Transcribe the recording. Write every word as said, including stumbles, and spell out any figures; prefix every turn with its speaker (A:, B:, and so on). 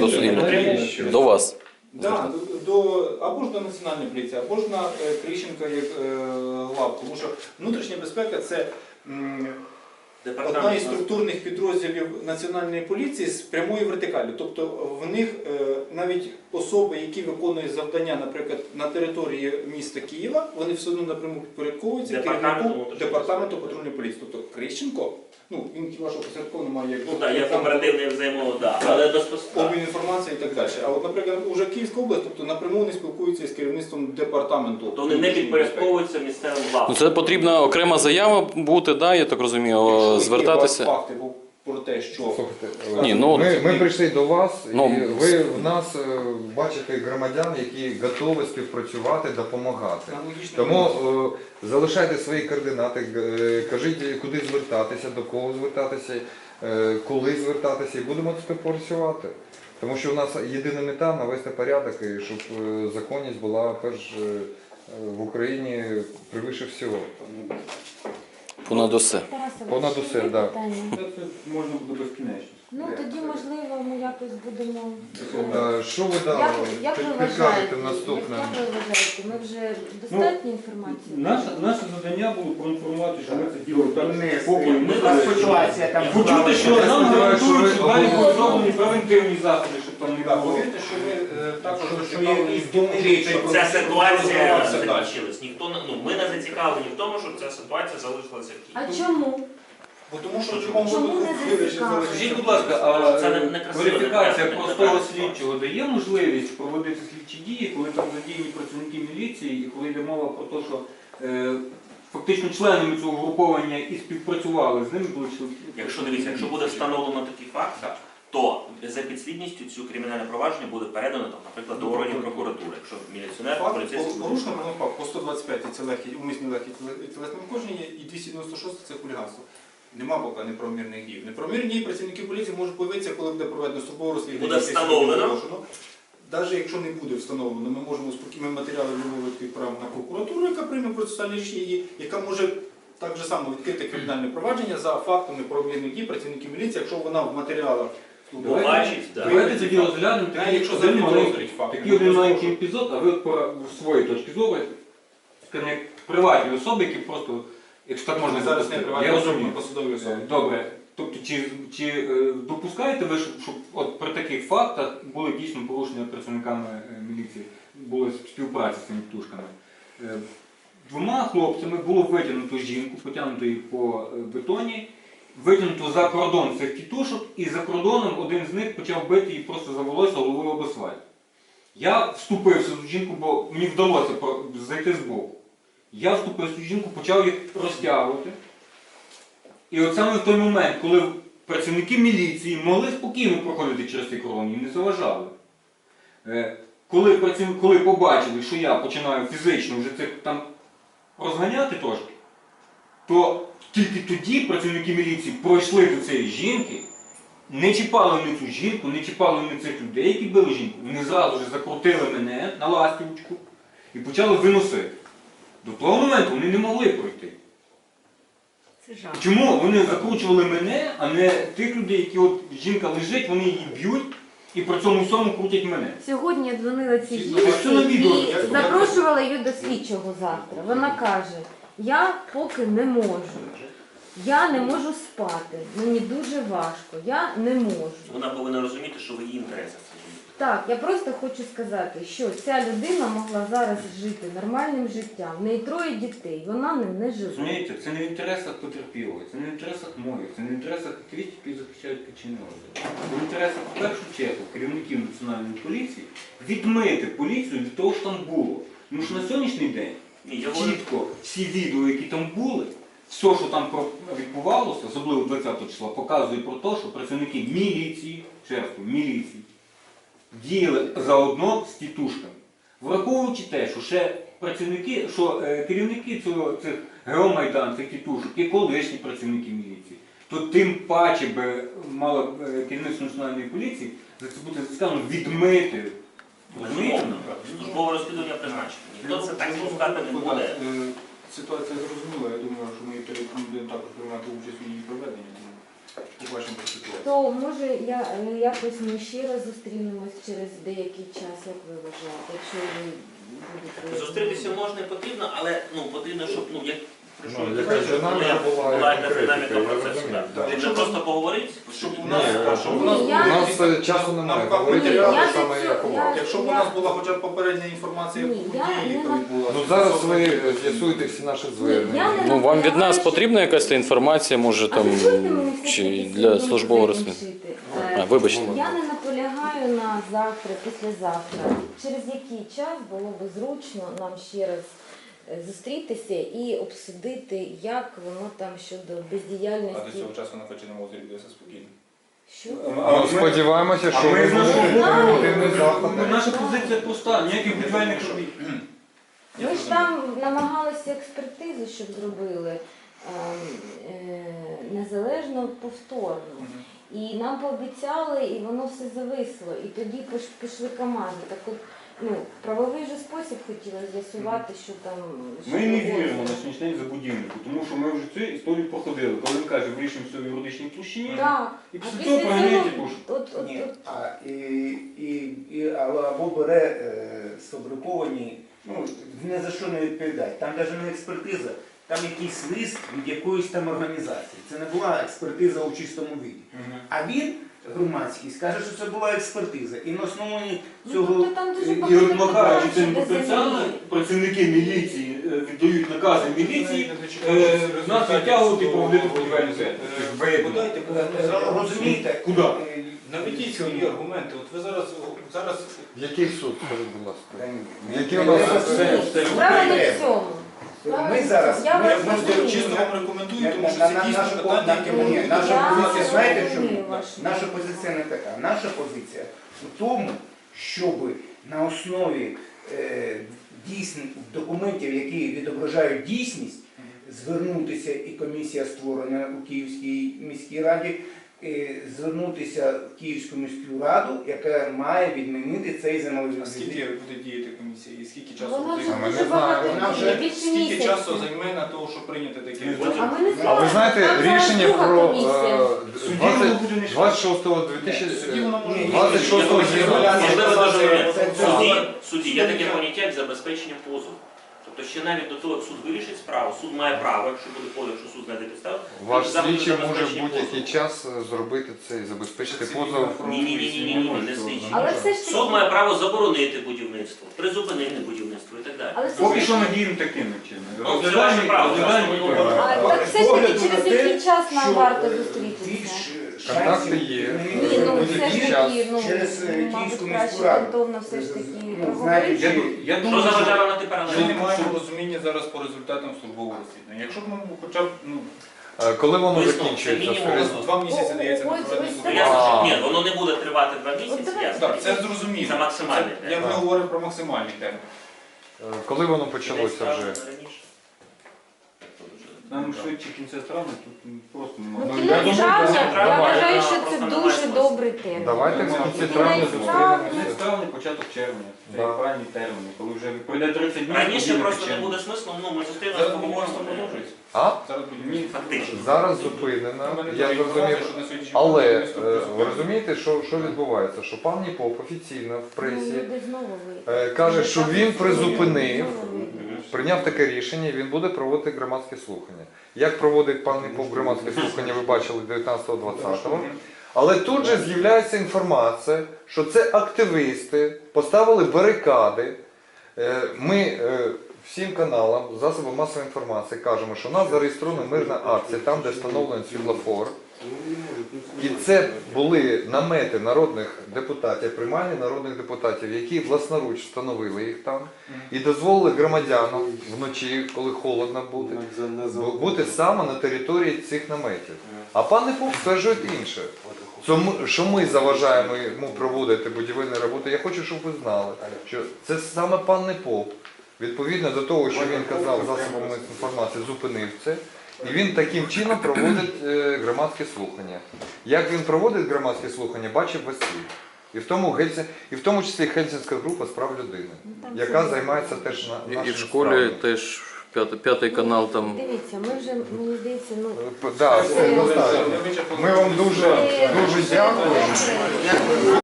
A: до,
B: Потрібно
A: до вас.
B: Да, до, або ж до Національної поліції, або ж на е, Кріщенка як е, глав. Тому що внутрішня безпека – це м, одна із структурних підрозділів Національної поліції з прямої вертикалі. Тобто в них е, навіть особи, які виконують завдання, наприклад, на території міста Києва, вони все одно напряму підпорядковуються керівнику департаменту патрульної поліції. Тобто Кріщенко, ну, він хіба що посередково має як...
C: Ну так, як оперативний взаємодія, але безпосередньо.
B: Обмін інформації і так далі. А от, наприклад, уже Київська область, тобто напряму вони спілкуються з керівництвом департаменту.
C: То вони не підпорядковуються місцевим владам.
A: Ну, це потрібна окрема заява бути, да, я так розумію, звертатися.
B: Факти про те, що...
D: Слухайте,
A: Ні, ну,
D: ми, ми прийшли до вас,
A: ну,
D: і ви в нас е, бачите громадян, які готові співпрацювати, допомагати. Тому е, залишайте свої координати, е, кажіть, куди звертатися, до кого звертатися, е, коли звертатися, і будемо співпрацювати. Тому що у нас єдина мета – навести порядок, і щоб е, законність була перш е, в Україні превише всього.
A: Понад усе.
D: Понад усе, так.
E: Це можна буде безкінечно.
F: Ну тоді, можливо, ми якось будемо...
D: Е, Що ви дали?
F: Як, як ви
D: Підкажете
F: вважаєте,
D: наступне?
F: як, як ви вважаєте, ми вже достатньо інформації?
E: Наше, наше завдання було проінформувати, що ми це діло так поки
C: Ми ситуація там.
E: почути, що нам гарантують, що далі будуть зроблені превентивні заходи, щоб там не
B: Так,
E: було.
B: повірте, що ми е, також
C: Що є
B: зацікавлені в тому,
C: щоб ця ситуація
B: розвивалася далі.
C: закінчилась. Ніхто не- ну, ми не зацікавлені в тому, щоб ця ситуація залишилася в
F: А
C: Києві.
F: чому?
B: Бо тому що в будь-якому
F: Чому
B: випадку
F: не
B: вирішить
F: зацікавлені?
B: залишитися.
E: Скажіть, будь ласка, а
C: Це не- не красиво,
E: верифікація
C: не правильно,
E: простого
C: не правильно.
E: слідчого дає можливість проводити слідчі дії, коли там задіяні працівники міліції, і коли йде мова про те, що е, фактично членами цього груповання і співпрацювали з ними, були члени.
C: Якщо дивіться, якщо буде встановлено такий факт, то за підслідністю цю кримінальне провадження буде передано, там, наприклад, до органів прокуратури. Якщо міліціонер,
B: Факт,
C: поліцейський...
B: порушено факт по сто двадцять п'ять це легкі, умисні легкі тілесне ушкодження і двісті дев'яносто шосте це хуліганство. Нема поки неправомірних дій. Неправомірні дії працівники поліції можуть появитися, коли буде проведено службове розслідування.
C: Буде встановлено.
B: Навіть якщо не буде встановлено, ми можемо спокійно матеріали вимовити відправити на прокуратуру, яка прийме процесуальні рішення, яка може так же само відкрити кримінальне провадження за фактом неправомірних дій працівників міліції, якщо вона в матеріалах
C: Побачить, так.
E: Давайте тоді розглянемо
B: Навіть
E: такий
B: якщо
E: один
B: завжди
E: маленький-
B: підозрюють факт.
E: такий один маленький епізод, а ви по своїй точки зору, скажімо, як приватні особи, які просто, якщо так можна
B: Зараз не
E: запустити.
B: приватні
E: Я
B: особи,
E: розумію.
B: посадові особи.
E: Е, Добре. Тобто, чи, чи е, допускаєте ви, щоб, щоб от при таких фактах були дійсно порушення працівниками е, міліції, була співпраця з цими птушками? Е, Двома хлопцями було витягнуто жінку, потягнуто її по е, бетоні, витягнуто за кордон цих тітушок, і за кордоном один з них почав бити її просто за волосся головою об асфальт. Я вступився в цю жінку, бо мені вдалося про- зайти збоку. Я вступив в цю жінку, почав їх розтягувати. І от саме в той момент, коли працівники міліції могли спокійно проходити через цей кордон, їм не заважали. Е, Коли, праців- коли побачили, що я починаю фізично вже цих там розганяти трошки, то тільки тоді працівники міліції пройшли до цієї жінки, не чіпали вони цю жінку, не чіпали вони цих людей, які били жінку. Вони зразу ж закрутили мене на ластівочку і почали виносити. До того моменту вони не могли пройти.
F: Це жах.
E: Чому вони закручували мене, а не тих людей, які от жінка лежить, вони її б'ють і при цьому всьому крутять мене?
F: Сьогодні я дзвонила цій
B: Це
F: жінці
E: на відео,
F: і
B: як-
F: запрошувала її до слідчого завтра. Вона каже, я поки не можу. Я не можу спати, мені дуже важко, я не можу.
C: Вона повинна розуміти, що в її інтересах це.
F: Так, я просто хочу сказати, що ця людина могла зараз жити нормальним життям. В неї троє дітей, вона ним не живе.
E: Розумієте, це не в інтересах потерпілого, це не в інтересах моїх, це не в інтересах активістів, які захищають Качиного. Це в інтересах, в першу чергу, керівників Національної поліції відмити поліцію від того, що там було. Тому що на сьогоднішній день
C: Ні, я говорю,
E: чітко всі відео, які там були, все, що там про- відбувалося, особливо двадцятого числа, показує про те, що працівники міліції, ще раз кажу, міліції, діяли заодно з тітушками. Враховуючи те, що ще працівники, що е, керівники цього, цих Геомайдан, цих тітушок, є колишні працівники міліції, то тим паче би мало е, керівництво Національної поліції за це бути сказано відмити. Розумієте?
C: безумовно, службове розслідування призначено. Ніхто це так спускати не буде.
B: Е, Ситуація зрозуміла, я думаю, що ми будемо також приймати участь у її проведенні. у вашому ситуації.
F: То може я е, якось ми ще раз зустрінемось через деякий час, як ви вважаєте, якщо ви будете
C: Зустрітися можна і потрібно, але ну потрібно, щоб ну як прийшов
D: Ну, якась динаміка була,
C: була
D: і
C: якась динаміка
D: конкретика, я
C: процесу.
D: розумію,
C: да.
D: так.
C: Якщо просто поговорити,
B: Щоб у
D: Ні,
B: нас,
D: а
B: щоб
F: Ні,
B: у нас
F: я-
D: У
B: було
D: нас
B: якісь-
D: е, часу немає,
B: нам
D: говорити
F: Ні,
D: так
F: я
D: само,
F: за
D: як
F: цю-
D: у
F: я-
D: вас.
B: Якщо б у нас була хоча б попередня інформація
F: Ні,
B: по
F: я
B: події,
F: не
B: яка
F: на-
B: відбулася.
D: Ну зараз ви з'ясуєте всі наші
F: я не
D: звернення.
A: Ну вам від нас
F: наполягаю, що-
A: потрібна якась та інформація, може
F: А
A: там
F: дозвольте мені все
A: чи
F: таки
A: для
F: свою
A: службового
F: думку
A: розслідування.
F: закінчити.
A: А,
F: Е,
A: вибачте.
F: Я не наполягаю на завтра, післязавтра. Через який час було б зручно нам ще раз е, зустрітися і обсудити, як воно там щодо
B: А до
F: бездіяльності.
B: цього часу на Феченому озері буде все спокійно.
F: Що?
D: Ну, сподіваємося, що
E: а ми
D: ви
E: з нашого
D: будете
F: боку-
D: оперативний заход.
E: Ну, наша позиція проста, ніяких будівельних робіт.
F: Ми ж там намагалися експертизу, щоб зробили е, е, незалежно повторно. І нам пообіцяли, і воно все зависло. І тоді пош- пішли команди. Так от, ну, в правовий же спосіб хотіла з'ясувати, що там. що
E: Ми не
F: було.
E: віримо на сьогоднішній день забудівнику, тому що ми вже цю історію проходили. Коли він каже, вирішимо все в юридичній площині,
F: Так.
E: і
F: А
E: після
F: після
E: цього
F: цього,
E: проганяйте пошук.
F: от, от,
G: Ні,
F: от,
G: а, і, і, і, або бере е, сфабриковані, ну, ні за що не відповідає. Там навіть не експертиза, там якийсь лист від якоїсь там організації. Це не була експертиза у чистому віді. А він, громадський, скаже, що це була експертиза. І на основі
F: ну,
G: цього
F: тобто там дуже
E: І
F: багато
E: розмахаючи
F: питань
E: цим
F: щодо
E: спеціально,
F: землі.
E: працівники міліції е, віддають накази міліції, е, нас витягують і проводити будівельну сесію.
B: Подайте,
G: Е, розумієте,
E: Куди?
G: е,
B: наведіть свої аргументи. От ви зараз, зараз
D: Який суд, скажіть, будь ласка?
G: Та
D: Які
G: ні,
D: у нас
G: треба
E: все-
G: суду.
E: все-
F: Справа не в цьому.
G: Ми зараз,
F: Я
G: ми,
F: вас
G: ми
F: розумію.
B: чисто вам рекомендую, тому що
G: На-
B: це
G: на-
B: дійсно
G: наша
B: питання,
G: по-
B: яке
G: ні,
B: можуть
G: наша
F: Я
G: позиція, знаєте
F: розумію
G: чому?
F: вашу
G: Наша
F: думку.
G: позиція не така. Наша позиція у тому, щоб на основі е, дійсних документів, які відображають дійсність, звернутися, і комісія створена у Київській міській раді, е, звернутися в Київську міську раду, яка має відмінити цей земельний
B: А скільки буде діяти комісія і скільки часу
F: Вона
B: буде
F: вже
D: А ми не
F: дуже
D: знаємо.
F: багато
G: Вона
F: діє,
G: вже
F: більше
B: скільки
F: місяця.
B: часу займе на того, щоб прийняти таке рішення?
F: А ми не
D: А
F: знаємо.
D: ви знаєте,
F: Там зараз
D: рішення
F: друга
D: про
F: комісія.
E: Судді воно буде не
D: двадцять шостого
B: Судді
D: двадцять
B: воно може
G: Ні,
D: двадцять шостого
G: ні, ні, ні,
D: січня.
G: ні,
C: Можливо,
G: це-
C: дуже
G: це- це-
C: судді,
G: це-
C: судді є таке поняття, як забезпечення позову. Тобто ще навіть до того, як суд вирішить справу, суд має право, якщо буде позов, якщо суд знайде підставу,
D: Ваш
C: заходи
D: слідчий може в
C: забезпечення
D: будь-який
C: позову.
D: час е, зробити це і забезпечити
B: Це
D: позов.
C: Ні, ні, ні, ні, ні, ні, не слідчий.
F: Але все ж таки.
C: Суд має право заборонити будівництво, призупинити будівництво і так далі.
F: Але все ж
E: Поки
F: таки-
E: що надіємо таким чином.
C: Ну, це
E: Розглядаємо,
C: ваше право,
E: розглядаємо
C: це
E: і
C: своє
E: приймаємо.
F: А, так все ж таки через який час нам варто зустрітися?
G: більш
D: Контакти
G: шансів
D: є.
F: Ні, ну все ж таки, ну,
G: через, е,
F: мабуть,
G: Київську
F: краще
G: міську раду.
F: ґрунтовно все ж таки
G: Ну, знаєте,
E: Я,
F: проговорити.
E: ду- я
C: Що
E: думаю,
C: заважає
E: що
C: вам на ти
B: Ми
C: паралельно?
B: не маємо розуміння зараз по результатам службового розслідування. Якщо б ми хоча б ну,
D: Е, Коли воно
C: Висновок,
D: закінчується,
C: це мінімум
D: скажіть?
B: два місяці дається на
F: Ось,
B: проведення
F: ось
C: Ну,
B: службового
C: ясно, що
D: А.
C: ні, воно не буде тривати два
F: От
C: місяці,
F: давай.
C: ясно.
B: Так, це зрозуміло.
C: Це максимальний
B: Це-
C: термін.
B: Я ми говоримо про максимальний термін.
D: Е, Коли воно почалося вже?
C: Раніше.
E: нам швидше кінця травня тут просто немає.
F: Ну,
E: Ну, я
F: кінець
E: думаю,
F: травня,
E: це-
F: я
C: давай.
F: вважаю,
C: Да,
F: що це
C: просто
F: дуже
C: немає смислу.
F: добрий термін.
D: Давайте в
E: Ну,
D: кінці
F: кінець
D: травня
F: травня.
E: Кінець
D: зустрінемося.
E: травня, початок червня. Це
D: Да.
E: ранні терміни, коли вже пройде тридцять днів.
C: Раніше
E: тоді
C: просто не
E: почнемо.
C: буде смислу, ну ми зустрінемося,
B: Зараз
C: поговоримо.
B: будівництво продовжується.
D: А?
B: Зараз будівництво.
C: Фактично.
D: Зараз зупинено,
B: У мене
D: я
B: теж
D: зрозумів.
B: інформація, що на сьогоднішній
D: Але
B: день
D: е,
B: будівництво
D: ви
B: призупинено.
D: розумієте, що, що відбувається? Що пан Ніпоп офіційно в
F: Ну,
D: пресі
F: люди знову ви.
D: е, каже, що він призупинив,
F: Знову ви.
D: прийняв таке рішення, і він буде проводити громадські слухання. Як проводить пан Ніпоп громадські слухання, ви бачили дев'ятнадцятого-двадцятого. Але тут же з'являється інформація, що це активісти поставили барикади. Е, Ми е, всім каналам, засобам масової інформації кажемо, що у нас зареєстрована мирна акція, там, де встановлений світлофор. І це були намети народних депутатів, приймальні народних депутатів, які власноруч встановили їх там і дозволили громадянам вночі, коли холодно бути, бу- бути саме на території цих наметів. А пан Непоп стверджує інше. Що ми, що ми заважаємо йому проводити будівельні роботи. Я хочу, щоб ви знали, що це саме пан Непоп, відповідно до того, що він казав засобами інформації, зупинив це. І він таким чином проводить е, громадські слухання. Як він проводить громадські слухання, бачив весь світ. І в тому, Гельсі... і в тому числі Хельсінська група з прав людини,
F: Ну, там
D: яка
F: це-
D: займається теж на
A: І, і
D: нашими
A: в школі
D: справами.
A: теж П'ятий, п'ятий канал там.
F: Дивіться, ми вже, мені здається, ну...
D: Да, все, достатньо. Ми вам дуже, дуже дякуємо.